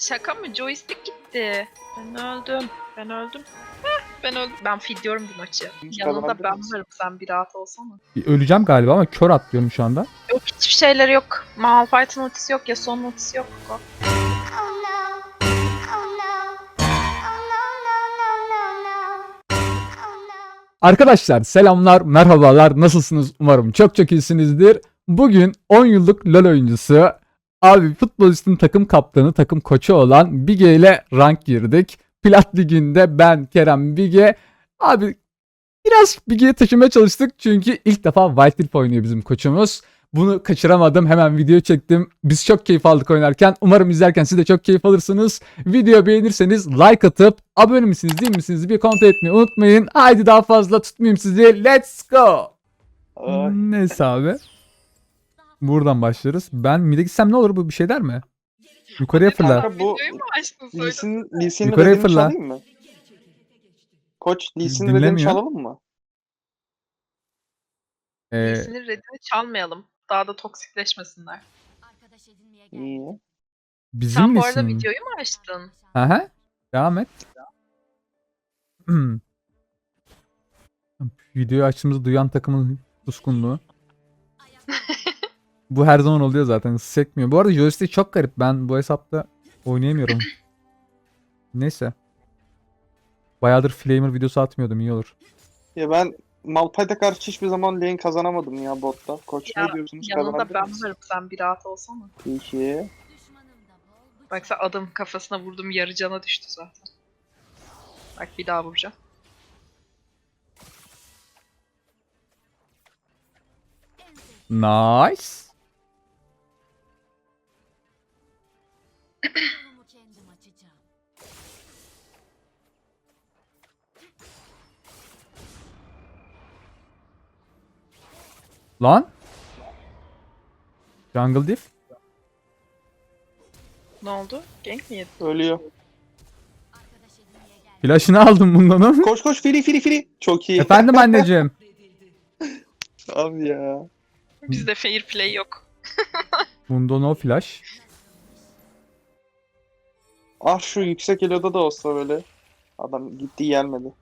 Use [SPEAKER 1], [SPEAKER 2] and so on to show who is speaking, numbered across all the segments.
[SPEAKER 1] Şaka mı? Joystick gitti. Ben öldüm. Ben öldüm. Ben öldüm. Ben feedliyorum bu maçı. Yanında
[SPEAKER 2] kazanabilir
[SPEAKER 1] ben
[SPEAKER 2] miyiz?
[SPEAKER 1] varım. Sen bir rahat olsana.
[SPEAKER 3] Öleceğim galiba ama kör atlıyorum şu anda.
[SPEAKER 1] Yok hiçbir şeyleri yok. Malphite'ın ultisi yok ya. Son ultisi yok.
[SPEAKER 4] Oh no. Oh no. Oh no, no, no, no, no. Oh no.
[SPEAKER 3] Arkadaşlar selamlar, merhabalar. Nasılsınız? Umarım çok çok iyisinizdir. Bugün 10 yıllık LoL oyuncusu, abi futbolistin takım kaptanı, takım koçu olan Bige ile rank girdik. Plat Ligi'nde ben, Kerem, Bige. Abi biraz Bige'ye taşımaya çalıştık çünkü ilk defa Wild Rift oynuyor bizim koçumuz. Bunu kaçıramadım. Hemen video çektim. Biz çok keyif aldık oynarken. Umarım izlerken siz de çok keyif alırsınız. Video beğenirseniz like atıp abone misiniz değil misiniz bir kontrol etmeyi unutmayın. Haydi daha fazla tutmayayım sizi. Let's go.
[SPEAKER 2] Ay.
[SPEAKER 3] Neyse abi. Buradan başlarız. Ben mid'e gitsem ne olur, bu bir şey der mi? Yukarıya fırla.
[SPEAKER 2] Kanka bu
[SPEAKER 1] Videoyu mu açtın söyle.
[SPEAKER 2] Lee Sin'in
[SPEAKER 3] Yukarıya
[SPEAKER 2] dediğini
[SPEAKER 3] fırla.
[SPEAKER 2] çalayım mı? Koç Lee Sin'in dediğini
[SPEAKER 3] Dinlemiyor.
[SPEAKER 2] çalalım mı?
[SPEAKER 1] Sinir redini çalmayalım. Daha da toksikleşmesinler.
[SPEAKER 2] İyi.
[SPEAKER 3] Bizim
[SPEAKER 1] Sen bu arada
[SPEAKER 3] nesin?
[SPEAKER 1] videoyu mu açtın?
[SPEAKER 3] Aha. Devam et. Videoyu açtığımızı duyan takımın suskunluğu. Bu her zaman oluyor zaten. Sekmiyor. Bu arada joystick çok garip. Ben bu hesapta oynayamıyorum. Neyse. Bayağıdır Flamer videosu atmıyordum. İyi olur.
[SPEAKER 2] Ya ben Malphite'e karşı hiçbir zaman lane kazanamadım ya botta. Koç
[SPEAKER 1] Ya,
[SPEAKER 2] ne diyorsunuz?
[SPEAKER 1] Yanında
[SPEAKER 2] Kazanabilir
[SPEAKER 1] ben
[SPEAKER 2] miyiz?
[SPEAKER 1] varım. Sen bir rahat olsana.
[SPEAKER 2] Peki.
[SPEAKER 1] Baksa adım kafasına vurdum, yarı cana düştü zaten. Bak bir daha vuracağım.
[SPEAKER 3] Nice. Lan. Jungle Diff.
[SPEAKER 1] Ne oldu? Gank mi yedin?
[SPEAKER 2] Ölüyor.
[SPEAKER 3] Flash'ını aldım bundan ama.
[SPEAKER 2] Koş koş free. Çok iyi.
[SPEAKER 3] Efendim anneciğim.
[SPEAKER 2] Abi ya.
[SPEAKER 1] Bizde fair play yok.
[SPEAKER 3] Bunda no flash.
[SPEAKER 2] Ah şu yüksek eloda da olsa böyle. Adam gitti gelmedi.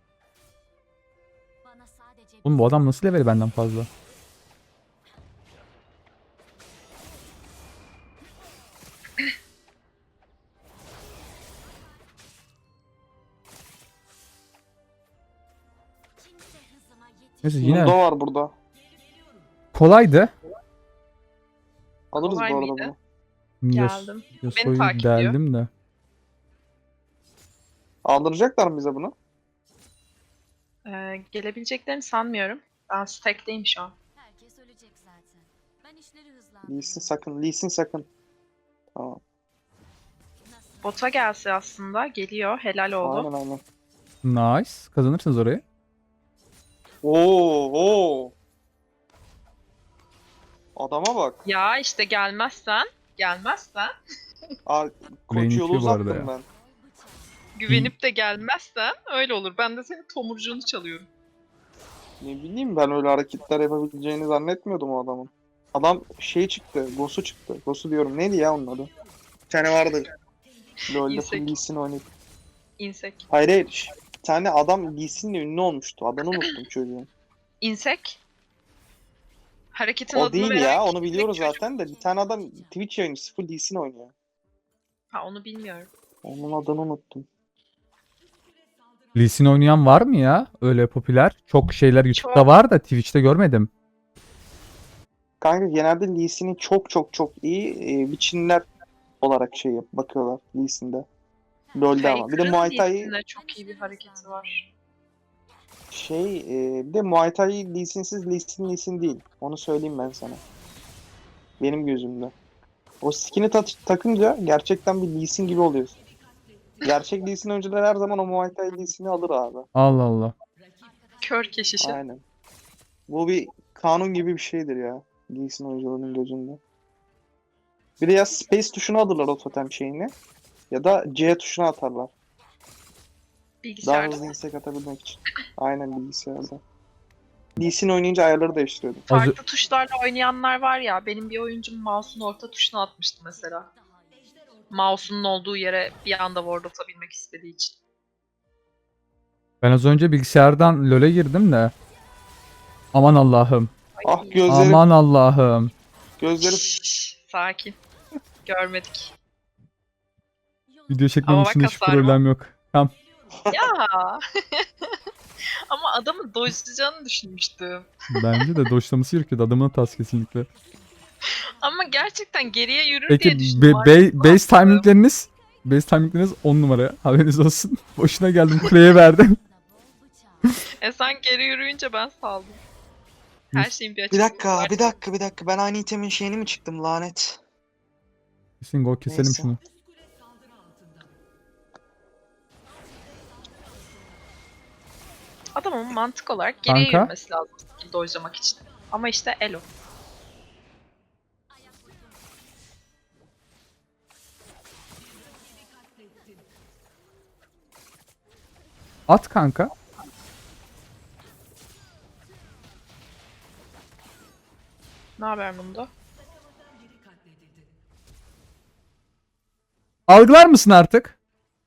[SPEAKER 3] Oğlum bu adam nasıl level benden fazla? Neyse yine
[SPEAKER 2] Mundo var burada.
[SPEAKER 3] kolaydı.
[SPEAKER 2] Alırız
[SPEAKER 1] Kolay
[SPEAKER 2] bu arada
[SPEAKER 1] mıydı?
[SPEAKER 2] bunu.
[SPEAKER 1] Geldim.
[SPEAKER 3] Yasuo'yu
[SPEAKER 1] takip ediyor.
[SPEAKER 3] deldim de.
[SPEAKER 2] Aldıracaklar mı bize bunu?
[SPEAKER 1] Gelebileceklerini sanmıyorum. Ben stack'teyim şu an.
[SPEAKER 4] Herkes ölecek zaten. Ben işleri hızlandırıyorum.
[SPEAKER 2] Lee Sin sakın. Tamam.
[SPEAKER 1] Bota gelse aslında. Geliyor. Helal oldu.
[SPEAKER 2] Aynen.
[SPEAKER 3] Nice. Kazanırsınız orayı.
[SPEAKER 2] Oo. Adama bak.
[SPEAKER 1] Ya işte gelmezsen.
[SPEAKER 2] Aa,
[SPEAKER 3] Lane
[SPEAKER 2] koç yolu
[SPEAKER 3] itiyor bu arada
[SPEAKER 2] uzattım
[SPEAKER 3] ya.
[SPEAKER 2] ben.
[SPEAKER 1] Güvenip de gelmezsen öyle olur. Ben de senin tomurcuğunu çalıyorum.
[SPEAKER 2] Ne bileyim ben öyle hareketler yapabileceğini zannetmiyordum o adamın. Adam şey çıktı, Gosu çıktı. Gosu diyorum neydi ya onun adı? Bir tane vardı. LoL'de
[SPEAKER 1] İnsek.
[SPEAKER 2] full Lee Sin oynayıp.
[SPEAKER 1] İnsek.
[SPEAKER 2] Hayır. Bir tane adam Lee Sin'le ünlü olmuştu. Adını unuttum çocuğun.
[SPEAKER 1] İnsek. Hareketin
[SPEAKER 2] O
[SPEAKER 1] adını
[SPEAKER 2] değil
[SPEAKER 1] veren
[SPEAKER 2] ya, onu
[SPEAKER 1] çocuk.
[SPEAKER 2] biliyoruz zaten de. Bir tane adam Twitch yayıncısı full Lee Sin oynuyor.
[SPEAKER 1] Ha onu bilmiyorum.
[SPEAKER 2] Onun adını unuttum.
[SPEAKER 3] Lee Sin oynayan var mı ya? Öyle popüler. Çok şeyler YouTube'da
[SPEAKER 1] Çok.
[SPEAKER 3] var da Twitch'te görmedim.
[SPEAKER 2] Kanka genelde Lee Sin'i çok iyi biçimler olarak bakıyorlar Lee Sin'de. LoL'de ama. Bir de Muay Thai
[SPEAKER 1] Faker'ın çok iyi bir hareketi var.
[SPEAKER 2] bir de Muay Thai Lee Sin'siz Lee Sin değil. Onu söyleyeyim ben sana. Benim gözümde. O skin'i takınca gerçekten bir Lee Sin gibi oluyorsun. Gerçek Lee Sin oyuncular her zaman o Muay Thai Lee Sin'i alır abi.
[SPEAKER 3] Allah Allah.
[SPEAKER 1] Kör keşişi.
[SPEAKER 2] Aynen. Bu bir kanun gibi bir şeydir ya. Lee Sin oyuncularının gözünde. Bir de ya Space tuşuna alırlar o totem şeyini. Ya da C tuşuna atarlar. Daha
[SPEAKER 1] Bilgisayarda.
[SPEAKER 2] hızlı insek atabilmek için. Aynen bilgisayarda. Lee Sin oynayınca ayarları değiştiriyordum.
[SPEAKER 1] Farklı tuşlarla oynayanlar var ya. Benim bir oyuncum mouse'un orta tuşuna atmıştı mesela. Mouse'unun olduğu yere bir anda ward atabilmek istediği için.
[SPEAKER 3] Ben az önce bilgisayardan LoL'e girdim de. Aman Allah'ım.
[SPEAKER 2] Ah
[SPEAKER 1] Ay,
[SPEAKER 2] gözlerim.
[SPEAKER 3] Aman Allah'ım.
[SPEAKER 2] Gözlerim.
[SPEAKER 1] şşş, sakin. Görmedik.
[SPEAKER 3] Video çekmem
[SPEAKER 1] Ama bak
[SPEAKER 3] için hiç
[SPEAKER 1] hasar
[SPEAKER 3] problem yok. Tamam.
[SPEAKER 1] Ya. Ama adamın dojlayacağını düşünmüştüm.
[SPEAKER 3] Bence de doşlaması gerekiyordu. Adamın hatası kesinlikle.
[SPEAKER 1] Ama gerçekten geriye yürür
[SPEAKER 3] Peki
[SPEAKER 1] diye düşündüm.
[SPEAKER 3] base timingleriniz 10 numara. Haberiniz olsun. Boşuna geldim kuleye verdim.
[SPEAKER 1] Sen geri yürüyünce ben saldım. Her şeyin bir
[SPEAKER 2] Bir
[SPEAKER 1] açıklığı
[SPEAKER 2] dakika,
[SPEAKER 1] var.
[SPEAKER 2] bir dakika, bir dakika. Ben aynı itemin şeyini mi çıktım lanet?
[SPEAKER 3] Kesin gol keselim
[SPEAKER 2] Neyse.
[SPEAKER 3] şunu.
[SPEAKER 1] Adamın mantık olarak geriye
[SPEAKER 3] Kanka.
[SPEAKER 1] yürümesi lazım dojlamak için. Ama işte elo.
[SPEAKER 3] At kanka.
[SPEAKER 1] Ne haber bunda?
[SPEAKER 3] Algılar mısın artık?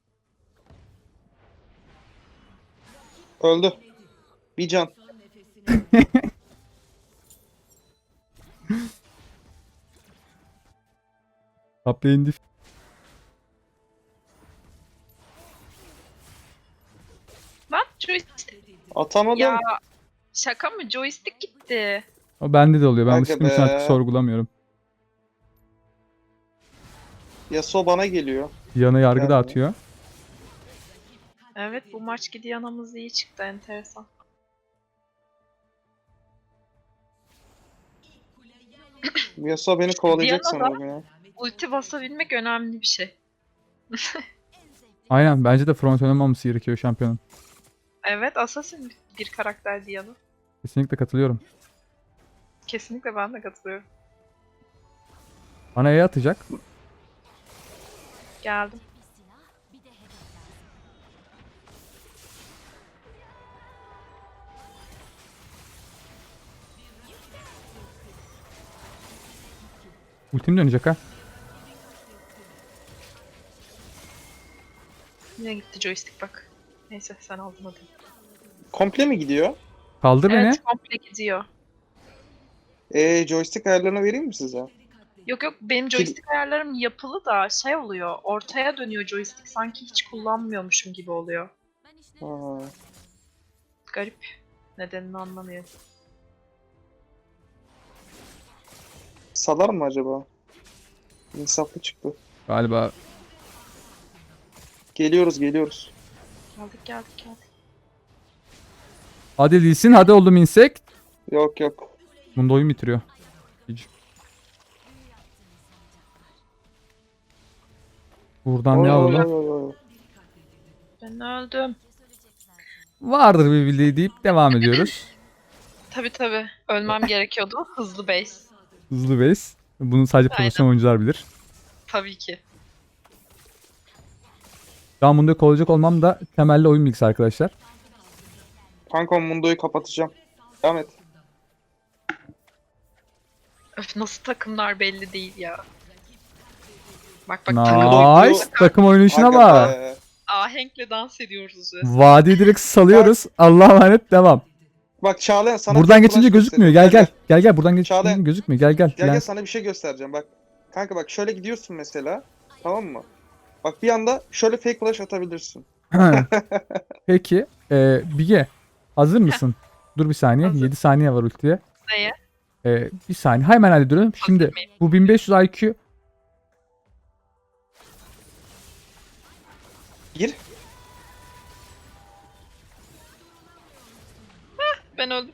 [SPEAKER 2] Öldü. Bir can.
[SPEAKER 3] Kapya indi.
[SPEAKER 1] Lan joystick.
[SPEAKER 2] Atamadım.
[SPEAKER 1] Ya şaka mı? Joystick gitti.
[SPEAKER 3] O bende de oluyor. Ben
[SPEAKER 2] Aga
[SPEAKER 3] alıştığım için artık
[SPEAKER 2] be.
[SPEAKER 3] sorgulamıyorum.
[SPEAKER 2] Yasuo bana geliyor.
[SPEAKER 3] Yana yargı
[SPEAKER 2] Geldi.
[SPEAKER 3] dağıtıyor.
[SPEAKER 1] Evet bu maç Gideon'ımız iyi çıktı enteresan.
[SPEAKER 2] Yasuo beni kovalayacak
[SPEAKER 1] Diana da-
[SPEAKER 2] sanırım ya.
[SPEAKER 1] Ulti basabilmek önemli bir şey.
[SPEAKER 3] Aynen bence de front oynamaması gerekiyor şampiyonun.
[SPEAKER 1] Evet Assassin bir karakter Diana.
[SPEAKER 3] Kesinlikle katılıyorum.
[SPEAKER 1] Kesinlikle ben de katılıyorum.
[SPEAKER 3] Bana E atacak.
[SPEAKER 1] Geldim.
[SPEAKER 3] Ultim dönecek ha.
[SPEAKER 1] Yine gitti joystick bak. Neyse sen aldın hadi.
[SPEAKER 2] Komple mi gidiyor?
[SPEAKER 3] Kaldır beni.
[SPEAKER 1] Evet komple gidiyor.
[SPEAKER 2] Joystick ayarlarını vereyim mi size?
[SPEAKER 1] Yok yok benim joystick ayarlarım yapılı da şey oluyor. Ortaya dönüyor joystick. Sanki hiç kullanmıyormuşum gibi oluyor.
[SPEAKER 2] Ha.
[SPEAKER 1] Garip. Nedenini anlamıyorum.
[SPEAKER 2] Salar mı acaba? İnsaflı çıktı.
[SPEAKER 3] Galiba.
[SPEAKER 2] Geliyoruz, geliyoruz.
[SPEAKER 1] Geldik.
[SPEAKER 3] Hadi Lee Sin, hadi oğlum insek.
[SPEAKER 2] Yok yok.
[SPEAKER 3] Bunda oyun bitiriyor. Hiç. Buradan ne
[SPEAKER 2] Oy, oy,
[SPEAKER 3] alalım?
[SPEAKER 2] oy, oy.
[SPEAKER 1] Ben öldüm.
[SPEAKER 3] Vardır bir bildiği deyip devam ediyoruz.
[SPEAKER 1] Tabi. Ölmem gerekiyordu. Hızlı base.
[SPEAKER 3] Hızlı base. Bunu sadece
[SPEAKER 1] Aynen.
[SPEAKER 3] profesyonel oyuncular bilir.
[SPEAKER 1] Tabii ki.
[SPEAKER 3] Şu an bunda olacak olmam da temelli oyun bilgisi arkadaşlar.
[SPEAKER 2] Kanka Mundo'yu kapatacağım. Devam et.
[SPEAKER 1] Öf nasıl takımlar belli değil ya. Bak takım oyunu.
[SPEAKER 3] Nice. Takım oynayışına
[SPEAKER 2] Aga
[SPEAKER 3] bak.
[SPEAKER 2] be.
[SPEAKER 1] Ahenkle dans ediyoruz resmen.
[SPEAKER 3] Vadiyi direkt salıyoruz. Allah'a emanet devam.
[SPEAKER 2] Bak Çağlayan sana
[SPEAKER 3] Buradan
[SPEAKER 2] tek
[SPEAKER 3] geçince
[SPEAKER 2] flash
[SPEAKER 3] gözükmüyor.
[SPEAKER 2] göstereyim.
[SPEAKER 3] Gel. Buradan geçince
[SPEAKER 2] Çağlayan.
[SPEAKER 3] gözükmüyor. Gel.
[SPEAKER 2] Gel
[SPEAKER 3] Gel.
[SPEAKER 2] gel sana bir şey göstereceğim bak. Kanka bak şöyle gidiyorsun mesela. Tamam mı? Bak bir anda şöyle fake flash atabilirsin.
[SPEAKER 3] Peki. Bige. Hazır mısın? Dur bir saniye.
[SPEAKER 1] Hazır.
[SPEAKER 3] 7 saniye var ultiye.
[SPEAKER 1] Neye?
[SPEAKER 3] Bir saniye. Hemen hallediyorum. Şimdi
[SPEAKER 1] Hazır mıyım?
[SPEAKER 3] bu 1500 IQ
[SPEAKER 2] Gir.
[SPEAKER 1] Ben öldüm.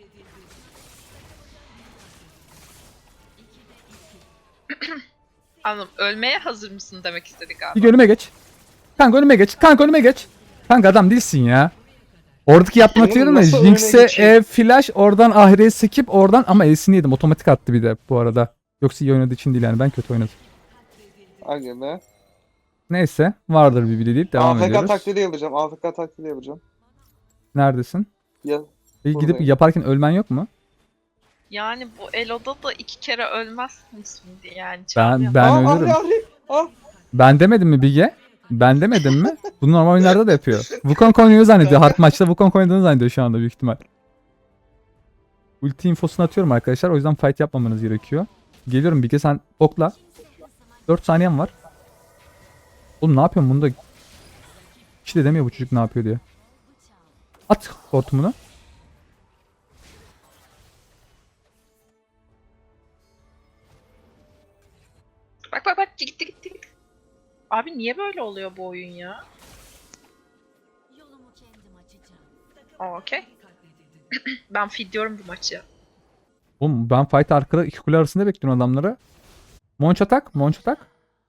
[SPEAKER 1] Anladım. Ölmeye hazır mısın demek istedik abi.
[SPEAKER 3] bir önüme geç. Kanka önüme geç. Kanka adam değilsin ya. Oradaki yaptığını
[SPEAKER 2] Oğlum
[SPEAKER 3] hatırlıyorum da
[SPEAKER 2] nasıl önüne
[SPEAKER 3] Jinx'e
[SPEAKER 2] geçeyim?
[SPEAKER 3] flash oradan Ahri'ye skip oradan ama E'sini yedim. Otomatik attı bir de bu arada. Yoksa iyi oynadığı için değil yani ben kötü oynadım.
[SPEAKER 2] Aga be.
[SPEAKER 3] Neyse vardır bir bildiği deyip devam
[SPEAKER 2] AFK
[SPEAKER 3] ediyoruz.
[SPEAKER 2] taklidi yapacağım. AFK taklidi yapacağım.
[SPEAKER 3] Neredesin?
[SPEAKER 2] Ya
[SPEAKER 3] Gidip
[SPEAKER 2] Buradayım.
[SPEAKER 3] yaparken ölmen yok mu?
[SPEAKER 1] Yani bu Elo'da da 2 kere ölmezsin şimdi yani.
[SPEAKER 3] Ben
[SPEAKER 1] Çağlayan.
[SPEAKER 3] ben
[SPEAKER 2] Ahri
[SPEAKER 3] ölürüm.
[SPEAKER 2] Ahri. Ah.
[SPEAKER 3] Ben demedim mi Bige? Ben demedim mi? Bunu normal oyunlarda da yapıyor. Wukong oynuyor zannediyor. Hard maçta Wukong oynadığını zannediyor şu anda büyük ihtimal. Ulti infosunu atıyorum arkadaşlar. O yüzden fight yapmamanız gerekiyor. Geliyorum Bige, sen okla. 4 saniyem var. Oğlum ne yapıyorsun bunda? Hiç de demiyor bu çocuk ne yapıyor diye. At hortumunu.
[SPEAKER 1] Bak bak bak gitti gitti gitti. Abi niye böyle oluyor bu oyun ya? Okey. Ben feedliyorum bu maçı.
[SPEAKER 3] Oğlum ben fight arkada iki kule arasında bekliyorum adamları. Monç atak, monç atak.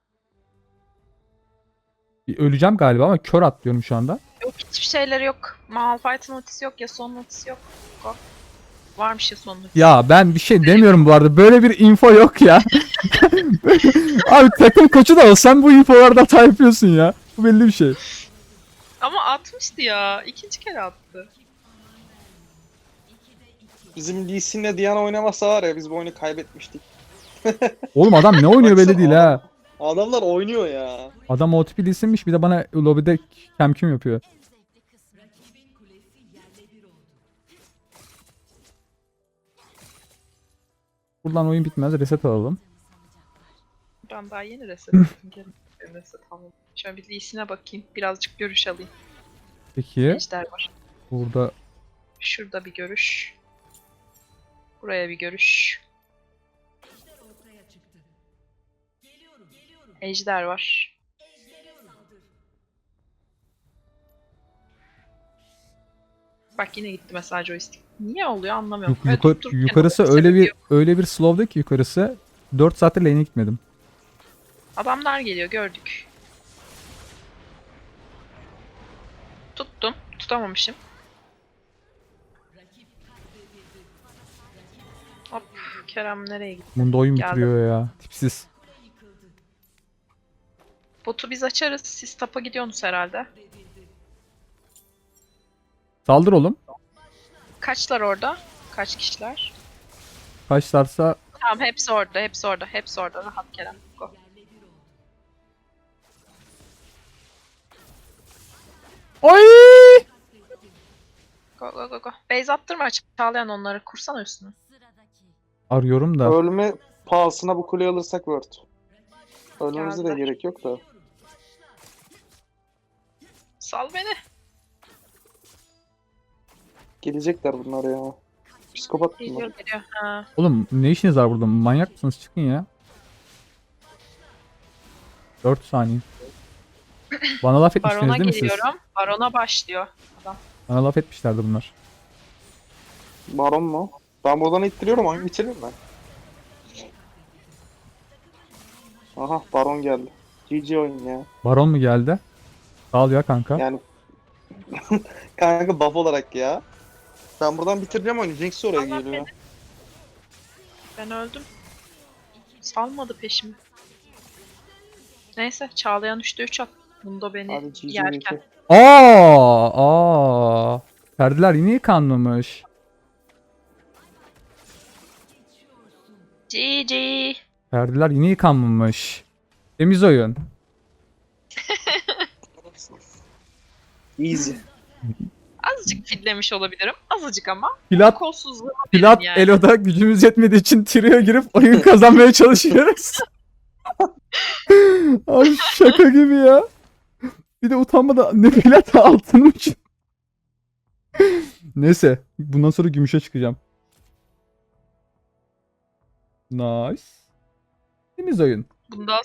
[SPEAKER 3] Bir öleceğim galiba ama kör atlıyorum şu anda.
[SPEAKER 1] Yok hiçbir şeyleri yok. Malphite'ın ultisi yok ya son ultisi yok. Go. Varmış ya son ultisi.
[SPEAKER 3] Ya ben bir şey demiyorum bu arada. Böyle bir info yok ya. Abi takım koçu da olsan bu infolarda hata yapıyorsun ya. Bu belli bir şey.
[SPEAKER 1] Ama atmıştı ya. İkinci kere attı.
[SPEAKER 2] Bizim Lee Sin'le Diana oynamasa var ya biz bu oyunu kaybetmiştik.
[SPEAKER 3] Oğlum adam ne oynuyor belli
[SPEAKER 2] Baksana
[SPEAKER 3] değil ha.
[SPEAKER 2] Adamlar oynuyor ya.
[SPEAKER 3] Adam OTP isimmiş bir de bana lobide kemkim yapıyor. Buradan oyun bitmez, reset alalım.
[SPEAKER 1] Ben daha yeni reset ettim. Gelin reset alalım. Şöyle bir Lee'sine bakayım. Birazcık görüş alayım.
[SPEAKER 3] Peki
[SPEAKER 1] Ejder var.
[SPEAKER 3] burada
[SPEAKER 1] Şurada bir görüş. Buraya bir görüş. Ejder var. Bak yine gitti mesela joystick. Niye oluyor anlamıyorum. Durup dururken
[SPEAKER 3] yukarısı
[SPEAKER 1] oluyor,
[SPEAKER 3] öyle
[SPEAKER 1] sebebi
[SPEAKER 3] bir
[SPEAKER 1] yok.
[SPEAKER 3] öyle bir slow'da ki yukarısı 4 saattir lane'e gitmedim.
[SPEAKER 1] Adamlar geliyor gördük. Tuttum. Tutamamışım. Hop. Kerem nereye gitti?
[SPEAKER 3] Bunda oyun
[SPEAKER 1] Geldim.
[SPEAKER 3] bitiriyor ya. Tipsiz.
[SPEAKER 1] Botu biz açarız. Siz tapa gidiyorsunuz herhalde.
[SPEAKER 3] Saldır oğlum.
[SPEAKER 1] Kaçlar orada? Kaç kişiler?
[SPEAKER 3] Kaçlarsa
[SPEAKER 1] Tamam hepsi orada. Hepsi orada. Hepsi orada. Rahat Kerem. Go.
[SPEAKER 3] Oy!
[SPEAKER 1] Go go go go. Base attırma. Çağlayan onları. Kursana üstüne.
[SPEAKER 3] Arıyorum da.
[SPEAKER 2] Ölme pahasına bu kuleyi alırsak Word. Ölmemize de
[SPEAKER 1] Geldiler.
[SPEAKER 2] gerek yok da.
[SPEAKER 1] Sal beni.
[SPEAKER 2] Gelecekler bunlar ya. Psikopat bunlar.
[SPEAKER 1] Geliyor geliyor. Ha.
[SPEAKER 3] Oğlum ne işiniz var burada? Manyak mısınız? Çıkın ya. 4 saniye. Bana laf etmiştiniz
[SPEAKER 1] Barona
[SPEAKER 3] değil mi siz?
[SPEAKER 1] geliyorum. Barona başlıyor. Adam.
[SPEAKER 3] Bana laf etmişlerdi bunlar.
[SPEAKER 2] Baron mu? Ben buradan ittiriyorum oyunu bitiririm ben. Aha Baron geldi. GG oyun ya.
[SPEAKER 3] Baron mu geldi? Sağ ol ya kanka.
[SPEAKER 2] Yani kanka buff olarak ya. Ben buradan bitireceğim oyunu. Jinx oraya
[SPEAKER 1] Allah
[SPEAKER 2] geliyor.
[SPEAKER 1] Ben öldüm. Salmadı peşimi. Neyse Çağlayan 3'te 3 at. Bunda beni
[SPEAKER 2] Hadi GG
[SPEAKER 1] yerken.
[SPEAKER 3] Aa! Perdeler yine yıkanmamış.
[SPEAKER 1] GG.
[SPEAKER 3] Perdeler yine yıkanmamış. Temiz oyun.
[SPEAKER 2] Easy.
[SPEAKER 1] Azıcık fidlemiş olabilirim. Azıcık ama.
[SPEAKER 3] Plat,
[SPEAKER 1] Kolsuzluğuma
[SPEAKER 3] Plat
[SPEAKER 1] benim yani.
[SPEAKER 3] Elo'da gücümüz yetmediği için Trio'ya girip oyun kazanmaya çalışıyoruz. Abi şaka gibi ya. Bir de utanmadan ne plat altınım için. Neyse. Bundan sonra gümüşe çıkacağım. Nice. Temiz oyun.
[SPEAKER 1] Bundan